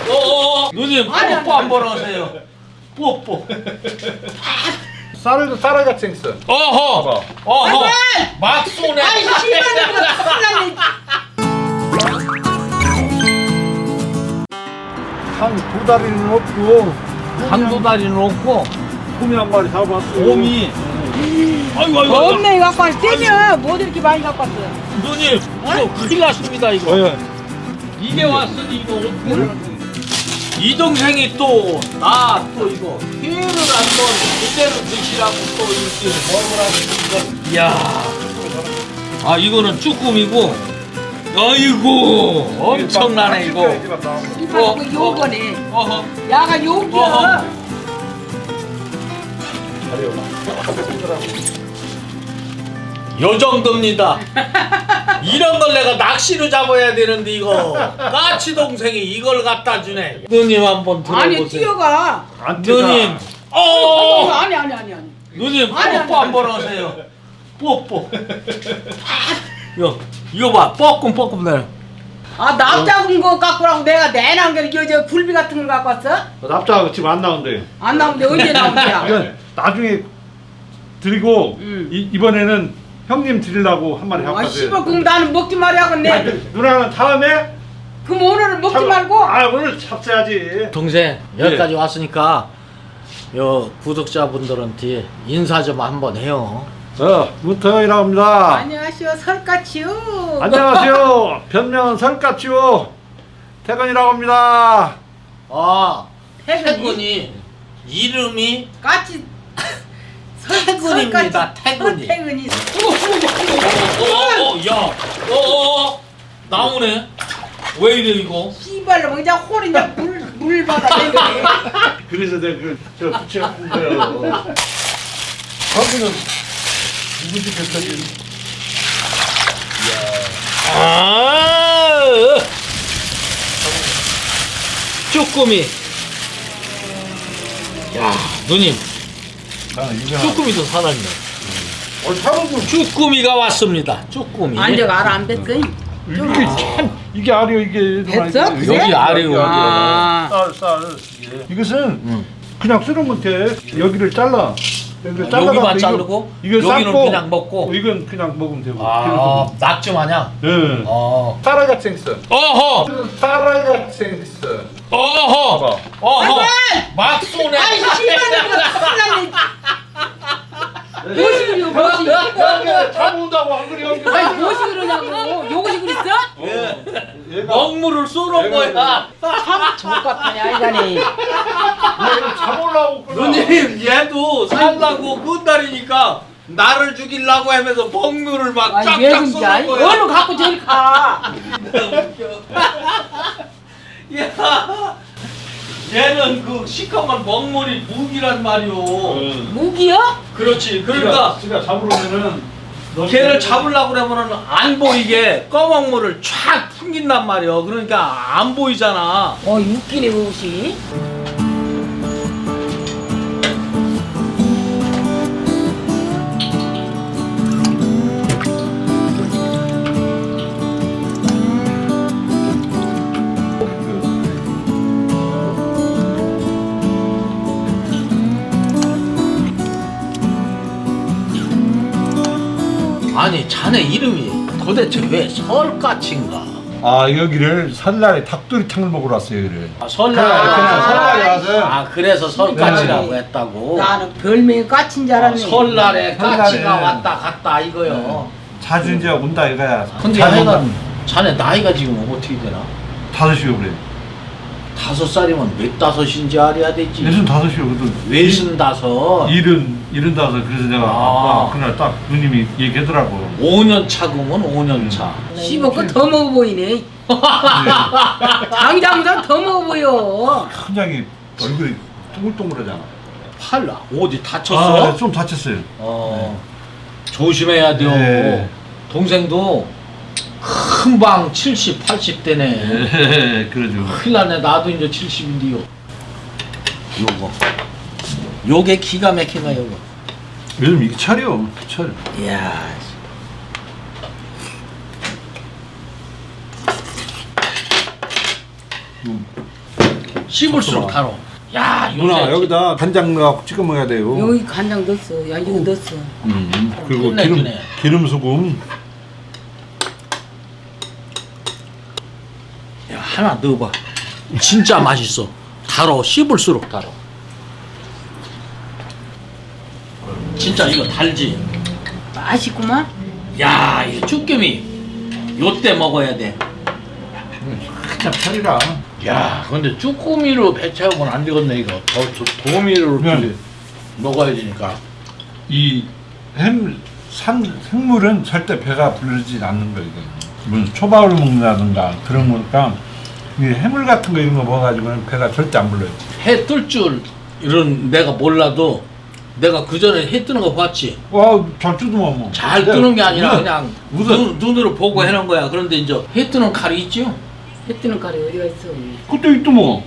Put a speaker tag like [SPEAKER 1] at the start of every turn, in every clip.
[SPEAKER 1] 누님 뽀뽀 한번 하세요. 뽀뽀.
[SPEAKER 2] 쌀도 쌀알같이 생겼어.
[SPEAKER 1] 어허. 어허. 막 쏘네.
[SPEAKER 3] 아이 씨발놈아 큰일 났네.
[SPEAKER 2] 한 두 다리는 없고
[SPEAKER 1] 한두 다리는 없고
[SPEAKER 2] 곰이 한 마리 잡았어.
[SPEAKER 1] 곰이. 아이고.
[SPEAKER 3] 없네 갖고 왔어. 떼면 뭐 이렇게 많이 갖고 왔어.
[SPEAKER 1] 누님 이거 큰일 났습니다 이거. 이게 왔으니 이거 어떻게? 이 동생이 또 나 또 이거 회를 한번 그대로 드시라고 또 이렇게 먹으라고. 이야. 아 이거는 쭈꾸미고. 아이고 엄청나네 이거.
[SPEAKER 3] 이거 요거네.
[SPEAKER 1] 어허.
[SPEAKER 3] 야가 요기야.
[SPEAKER 1] 요 정도입니다. 이런 걸 내가 낚시로 잡아야 되는데 이거 까치 동생이 이걸 갖다 주네. 누님 한번
[SPEAKER 3] 아니
[SPEAKER 1] 들어보세요.
[SPEAKER 3] 뛰어가.
[SPEAKER 1] 누님.
[SPEAKER 3] 아니.
[SPEAKER 1] 누님
[SPEAKER 3] 아니,
[SPEAKER 1] 뽀뽀 한번 하세요. 뽀뽀. 이거 봐. 뻐끔뻐끔 내려.
[SPEAKER 3] 아 납작은 거 갖고 라고 내가 내놓은 게 저 굴비 같은 걸 갖고 왔어?
[SPEAKER 2] 납작 지금 안 나온대.
[SPEAKER 3] 안 나오는데 언제 나오냐?
[SPEAKER 2] 이건 나중에 드리고
[SPEAKER 3] 응.
[SPEAKER 2] 이번에는 형님 드리려고 한 마리 잡았어요.
[SPEAKER 3] 아 씨발 그럼 나는 먹지 말아야겠네.
[SPEAKER 2] 누나는 다음에
[SPEAKER 3] 그럼 오늘은 먹지 말고.
[SPEAKER 2] 아 오늘 잡숴야지.
[SPEAKER 1] 동생 여기까지 왔으니까 요 구독자분들한테 인사 좀 한번 해요.
[SPEAKER 2] 문터이라고 합니다.
[SPEAKER 3] 안녕하세요 설까치요.
[SPEAKER 2] 안녕하세요. 변명은 설까치요. 태건이라고 합니다.
[SPEAKER 1] 아
[SPEAKER 3] 태근이?
[SPEAKER 1] 태근이 이름이
[SPEAKER 3] 까치
[SPEAKER 1] 태근입니다. 태근이.
[SPEAKER 3] 태근이.
[SPEAKER 1] 야, 나오네. 왜 이래 이거?
[SPEAKER 3] 씨발로 그냥 홀이냐 물 받아 내거네.
[SPEAKER 2] 그래서 내가 저 붙여갖은 거예요. 거기는 누구지 뱃속이?
[SPEAKER 1] 아, 쭈꾸미. 야, 누님, 쭈꾸미도 살았네.
[SPEAKER 2] 사람도
[SPEAKER 1] 쭈꾸미가 왔습니다. 쭈꾸미.
[SPEAKER 3] 안저가 알 안 뺐어?
[SPEAKER 2] 이게 참 이게 알이요 이게.
[SPEAKER 3] 됐어?
[SPEAKER 2] 이게.
[SPEAKER 1] 여기 아래요.
[SPEAKER 3] 아.
[SPEAKER 2] 쌀. 이것은 그냥 쓰면 돼. 여기를 잘라. 여기를 잘라서
[SPEAKER 1] 여기만 자르고
[SPEAKER 2] 이거
[SPEAKER 1] 여기는
[SPEAKER 2] 삶고,
[SPEAKER 1] 그냥 먹고.
[SPEAKER 2] 이건 그냥 먹으면 되고.
[SPEAKER 1] 아, 낙지 마냥.
[SPEAKER 2] 예. 쌀알같이 생겼어.
[SPEAKER 1] 어허,
[SPEAKER 2] 쌀알같이 생겼어.
[SPEAKER 1] 어허, 어허. 막 쏘네.
[SPEAKER 3] 아이 씨발놈아 큰일 났네. 무엇이 그려 무엇이?
[SPEAKER 2] 잡아온다고 안 그래 여기.
[SPEAKER 3] 아니 무엇이 그러냐고. 요것이 그랬어?
[SPEAKER 1] 먹물을 쏘는 거야.
[SPEAKER 3] 참 족같아냐 이간이.
[SPEAKER 2] 잡으려고.
[SPEAKER 1] 누님 얘도 살라고 끈다리니까 나를 죽이려고 하면서 먹물을 막
[SPEAKER 3] 아니 왜
[SPEAKER 1] 쫙쫙
[SPEAKER 3] 그런지
[SPEAKER 1] 쏘는
[SPEAKER 3] 아니?
[SPEAKER 1] 거야.
[SPEAKER 3] 얼른 갖고 저리 가.
[SPEAKER 1] 야, 얘는 그 시커먼 먹물이 무기란 말이오.
[SPEAKER 3] 무기요?
[SPEAKER 1] 그렇지. 그러니까
[SPEAKER 2] 지가 잡으려면은
[SPEAKER 1] 걔를 잡으려고 그러면은 안 보이게 검은물을 쫙 풍긴단 말이오. 그러니까 안 보이잖아.
[SPEAKER 3] 웃기네 그것이.
[SPEAKER 1] 아니 자네 이름이 도대체 왜 설까치인가?
[SPEAKER 2] 아 여기를 설날에 닭도리탕을 먹으러 왔어요 여기를.
[SPEAKER 1] 아, 설날.
[SPEAKER 2] 그냥 설날에 와서.
[SPEAKER 1] 아 그래서 설까치라고
[SPEAKER 3] 네.
[SPEAKER 1] 했다고.
[SPEAKER 3] 나는 별명이 까친 줄 알았네.
[SPEAKER 1] 설날에 까치가
[SPEAKER 2] 설날에.
[SPEAKER 1] 왔다 갔다 이거요.
[SPEAKER 2] 자주 이제 온다 이거야.
[SPEAKER 1] 근데 자네 나이가 지금 어떻게 되나?
[SPEAKER 2] 5시요 그래.
[SPEAKER 1] 5살이면 몇 다섯인지 알아야 되지.
[SPEAKER 2] 65시요 그래도.
[SPEAKER 1] 외순 다섯.
[SPEAKER 2] 75 그래서 내가 아빠 그날 딱 누님이 얘기하더라고.
[SPEAKER 1] 5년 차구먼 5년 차.
[SPEAKER 3] 씹어 그더 먹어 보이네. 장장보다 더 먹어 보여.
[SPEAKER 2] 큰 장이 얼굴이 동글동글하잖아.
[SPEAKER 1] 팔 어디 다쳤어?
[SPEAKER 2] 좀 다쳤어요.
[SPEAKER 1] 조심해야 돼요.
[SPEAKER 2] 네.
[SPEAKER 1] 동생도 금방 70, 80대네.
[SPEAKER 2] 그러죠.
[SPEAKER 1] 큰일 나네. 나도 이제 70인데요. 요거. 요게 기가 막히네 요거.
[SPEAKER 2] 요즘 이게 철이요. 철.
[SPEAKER 1] 이야. 씹을수록 달어. 야,
[SPEAKER 2] 누나
[SPEAKER 1] 요새
[SPEAKER 2] 여기다 간장 넣어 찍어 먹어야 돼요.
[SPEAKER 3] 여기 간장 넣었어. 야 이거 넣었어.
[SPEAKER 2] 그리고
[SPEAKER 1] 끝내주네.
[SPEAKER 2] 기름 소금.
[SPEAKER 1] 야, 하나 넣어봐. 진짜 맛있어. 달어. 씹을수록 달어. 진짜 이거 달지.
[SPEAKER 3] 맛있구만.
[SPEAKER 1] 야, 이 쭈꾸미 요때 먹어야 돼.
[SPEAKER 2] 한참 차리라.
[SPEAKER 1] 야, 근데 쭈꾸미로 배 채우고는 안 되겠네 이거. 도미로
[SPEAKER 2] 네.
[SPEAKER 1] 먹어야 되니까.
[SPEAKER 2] 이 생물은 절대 배가 부르지 않는 거 이거. 무슨 초밥을 먹는다든가 그런 거니까 이 해물 같은 거 이런 거 먹어가지고는 배가 절대 안 불러요.
[SPEAKER 1] 해 뜰 줄 이런 내가 몰라도 내가 그 전에 해 뜨는 거 봤지.
[SPEAKER 2] 와, 잘 뜯으면 뭐.
[SPEAKER 1] 잘 뜨는 게 아니라
[SPEAKER 2] 우선,
[SPEAKER 1] 그냥
[SPEAKER 2] 우선.
[SPEAKER 1] 눈으로 보고 해놓은 거야. 그런데 이제 해 뜨는 칼이 있죠.
[SPEAKER 3] 해 뜨는 칼이 어디가 있어?
[SPEAKER 2] 그때 있도 뭐.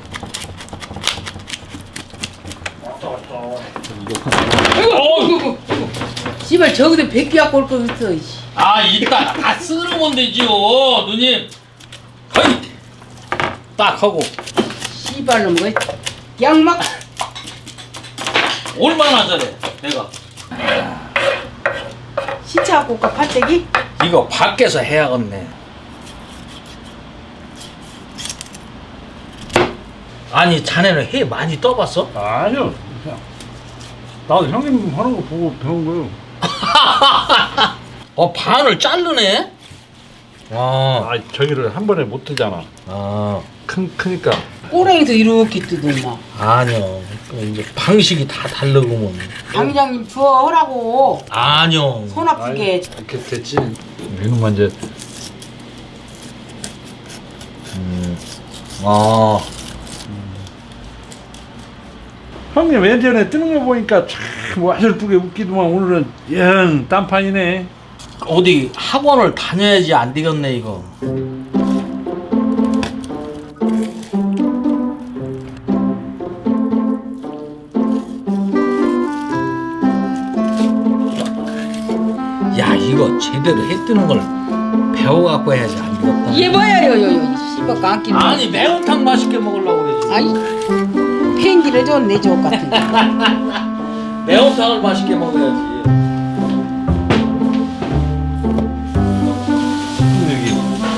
[SPEAKER 3] 씨발 저기서 백기 갖고 올 거 있어. 이씨.
[SPEAKER 1] 아, 이따 다 쓸으면 되지요, 누님. 거의 딱 하고
[SPEAKER 3] 씨발로 뭐 양막
[SPEAKER 1] 얼마나 잘해 내가.
[SPEAKER 3] 시차 갖고 올까 팔때기?
[SPEAKER 1] 이거 밖에서 해야겠네. 아니, 자네는 해 많이 떠봤어?
[SPEAKER 2] 아니요. 그냥 나도 형님 하는 거 보고 배운 거요.
[SPEAKER 1] 반을 자르네? 와.
[SPEAKER 2] 아, 저기를 한 번에 못 뜨잖아.
[SPEAKER 1] 아,
[SPEAKER 2] 크니까.
[SPEAKER 3] 꼬랭이도 이렇게 뜯어 막.
[SPEAKER 1] 아니요. 그 이제 방식이 다 다르구먼.
[SPEAKER 3] 강 회장님 주워 하라고.
[SPEAKER 1] 아니요.
[SPEAKER 3] 손 아프게.
[SPEAKER 2] 이렇게 됐지. 이놈만 이제
[SPEAKER 1] 아,
[SPEAKER 2] 형님 예전에 뜨는 거 보니까 참 와슬프게 웃기더만 오늘은 영 딴판이네.
[SPEAKER 1] 어디 학원을 다녀야지 안 되겠네 이거. 야, 이거 제대로 해 뜨는 걸 배워갖고 해야지 안 되겠다.
[SPEAKER 3] 이게 뭐야 요요요 씨발 깡끼.
[SPEAKER 1] 아니, 매운탕 맛있게 먹으려고 그러지.
[SPEAKER 3] 아이 팽기를 줬네 저 같은 거.
[SPEAKER 1] 매운탕을 맛있게 먹어야지.
[SPEAKER 2] 여기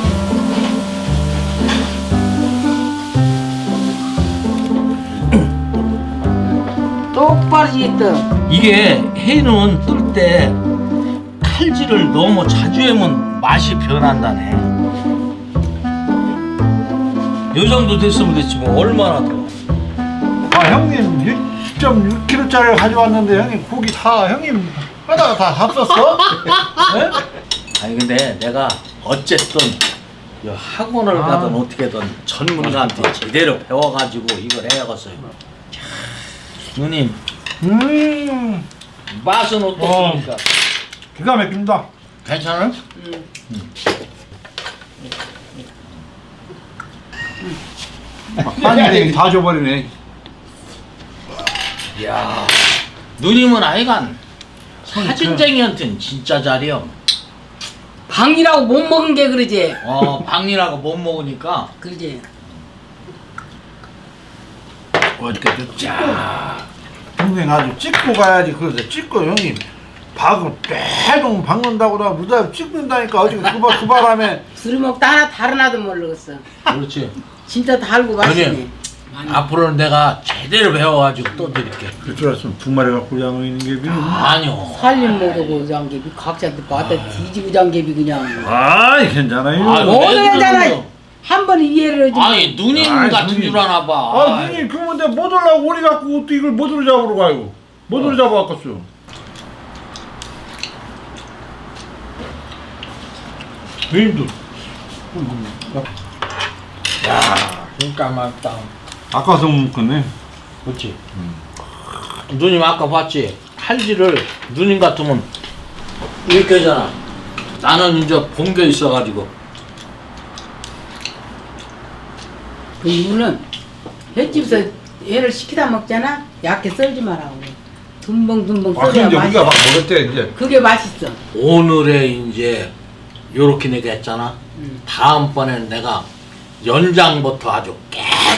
[SPEAKER 3] 똑바로 지겠다.
[SPEAKER 1] 이게 해는 뜰 때 칼질을 너무 자주 하면 맛이 변한다네. 요 정도 됐으면 됐지 뭐 얼마나 더.
[SPEAKER 2] 아 형님 1.6kg짜리 가져왔는데 형님 고기 다 형님 하다가 다 합쳤어? 네?
[SPEAKER 1] 아니 근데 내가 어쨌든 이 학원을 가든 어떻게든 전문가한테 제대로 배워가지고 이걸 해야겠어요. 자, 누님 맛은 어떻습니까?
[SPEAKER 2] 기가 막힙니다.
[SPEAKER 1] 괜찮아요?
[SPEAKER 2] 한입에 다 줘버리네.
[SPEAKER 1] 이야, 누님은 아이간 사진쟁이한테는 진짜 잘해요.
[SPEAKER 3] 방이라고 못 먹은 게 그러지.
[SPEAKER 1] 방이라고 못 먹으니까.
[SPEAKER 3] 그러지.
[SPEAKER 2] 어떻게 됐자. 형님 아주 찍고 가야지. 그러세요. 찍고 형님 박을 빼동 박는다고 나 무다 찍는다니까 어제 그 바람에.
[SPEAKER 3] 술을 먹다 하나 다른 아도 모르겠어.
[SPEAKER 1] 그렇지.
[SPEAKER 3] 진짜 달고 맛있네.
[SPEAKER 1] 누님, 앞으로는 내가 제대로 배워가지고 또 드릴게.
[SPEAKER 2] 그럴 줄 알았으면 두 마리 갖고 양어 있는 게 비는.
[SPEAKER 1] 아니요.
[SPEAKER 3] 살림 모르고 장개비 각자한테 받아 뒤지고 장개비 그냥.
[SPEAKER 2] 아이 괜찮아요.
[SPEAKER 1] 아유,
[SPEAKER 3] 오늘
[SPEAKER 1] 왜
[SPEAKER 3] 했잖아.
[SPEAKER 1] 그러는데요?
[SPEAKER 3] 한 번 이해를 해주면.
[SPEAKER 1] 아니 누님
[SPEAKER 2] 아이,
[SPEAKER 1] 같은
[SPEAKER 2] 누님.
[SPEAKER 1] 줄 아나 봐.
[SPEAKER 2] 아 누님 그러면 내가 못 올라고 오리 갖고 또 이걸 못 오리 잡으러 가요. 못 오리 잡아왔겠어요. 누님도
[SPEAKER 1] 야, 진짜 맛있다.
[SPEAKER 2] 아까서 못 먹겠네.
[SPEAKER 1] 그렇지. 누님 아까 봤지? 칼질을 누님 같으면 이렇게 하잖아. 나는 이제 본 게 있어가지고.
[SPEAKER 3] 그 이유는 횟집에서 얘를 시키다 먹잖아. 얇게 썰지 말라고. 듬벙듬벙
[SPEAKER 2] 아
[SPEAKER 3] 썰어야
[SPEAKER 2] 근데 우리가 막
[SPEAKER 3] 맛있어.
[SPEAKER 2] 먹을 때 이제
[SPEAKER 3] 그게 맛있어.
[SPEAKER 1] 오늘에 이제 요렇게 내가 했잖아. 다음번에는 내가 연장부터 아주 깨끗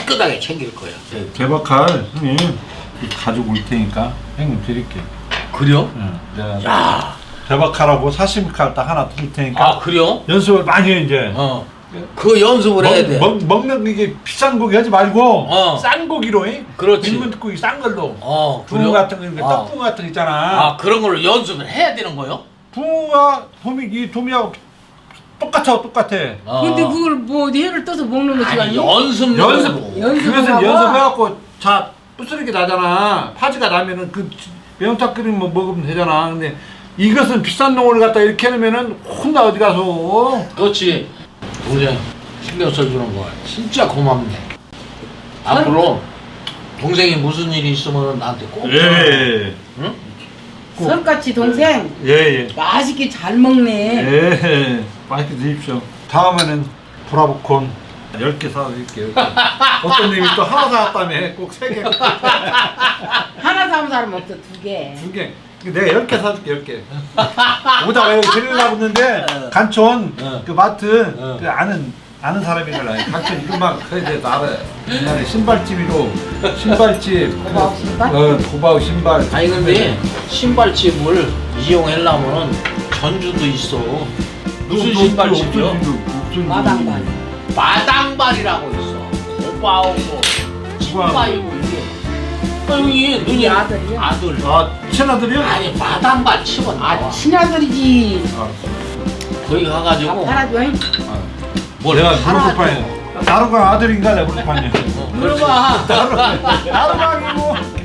[SPEAKER 1] 깨끗하게 챙길 거야.
[SPEAKER 2] 개박할 형님 가지고 올 테니까 형님 드릴게.
[SPEAKER 1] 그래요?
[SPEAKER 2] 내가
[SPEAKER 1] 야,
[SPEAKER 2] 개박하라고 사시미 칼 딱 하나 드릴 테니까
[SPEAKER 1] 아 그래요?
[SPEAKER 2] 연습을 많이 해 이제.
[SPEAKER 1] 그 연습을 해야 돼.
[SPEAKER 2] 먹는 이게 비싼 고기 하지 말고 싼 고기로 해.
[SPEAKER 1] 그렇지.
[SPEAKER 2] 민물고기 싼 걸로.
[SPEAKER 1] 그래요?
[SPEAKER 2] 붕어 같은 거, 떡붕어 같은 거 있잖아.
[SPEAKER 1] 아 그런 걸로 연습을 해야 되는 거요?
[SPEAKER 2] 붕어가 이 도미하고 똑같아.
[SPEAKER 3] 근데 그걸 뭐 해를 떠서 먹는 거지
[SPEAKER 1] 아니
[SPEAKER 3] 아니?
[SPEAKER 1] 연습.
[SPEAKER 2] 그래서
[SPEAKER 3] 하고?
[SPEAKER 2] 연습해갖고 자 부스러기 나잖아. 파지가 나면은 그 매운탕 끓이면 뭐 먹으면 되잖아. 근데 이것은 비싼 놈을 갖다 이렇게 해놓으면은 혼나 어디 가서.
[SPEAKER 1] 그렇지. 동생 신경 써주는 거 진짜 고맙네. 앞으로 동생이 무슨 일이 있으면 나한테 꼭 전화.
[SPEAKER 2] 예.
[SPEAKER 1] 응?
[SPEAKER 3] 설같이 동생
[SPEAKER 2] 예.
[SPEAKER 3] 맛있게 잘 먹네.
[SPEAKER 2] 예. 맛있게 드십시오. 다음에는 브라보콘 10개 사드릴게요. 어떤 님이 또 하나 사왔다며 꼭 3개.
[SPEAKER 3] 하나 사면 사람 없어 2개.
[SPEAKER 2] 2개. 내가 10개 사줄게 10개. 오다가 여기 드리려고 했는데 간촌 그 마트 그 아는 사람이라 간촌 이것만 그래 돼 알아. 옛날에 신발집이로 신발집
[SPEAKER 3] 고바우 신발?
[SPEAKER 2] 고바우 신발.
[SPEAKER 1] 아니 근데 신발집을 이용하려면은 전주도 있어. 무슨 신발집이요?
[SPEAKER 3] 마당발.
[SPEAKER 1] 마당발이라고 있어. 고바오고 신발이고 이게. 형이 누니
[SPEAKER 3] 아들이요?
[SPEAKER 1] 아들.
[SPEAKER 2] 아 친아들이요?
[SPEAKER 1] 아니 마당발 치면 나와.
[SPEAKER 3] 친아들이지.
[SPEAKER 1] 거기 가가지고
[SPEAKER 3] 팔아줘.
[SPEAKER 1] 뭘
[SPEAKER 2] 내가 무릎판에 나루가 아들인가 내가 무릎판에.
[SPEAKER 1] 물어봐.
[SPEAKER 2] 나루가 아니고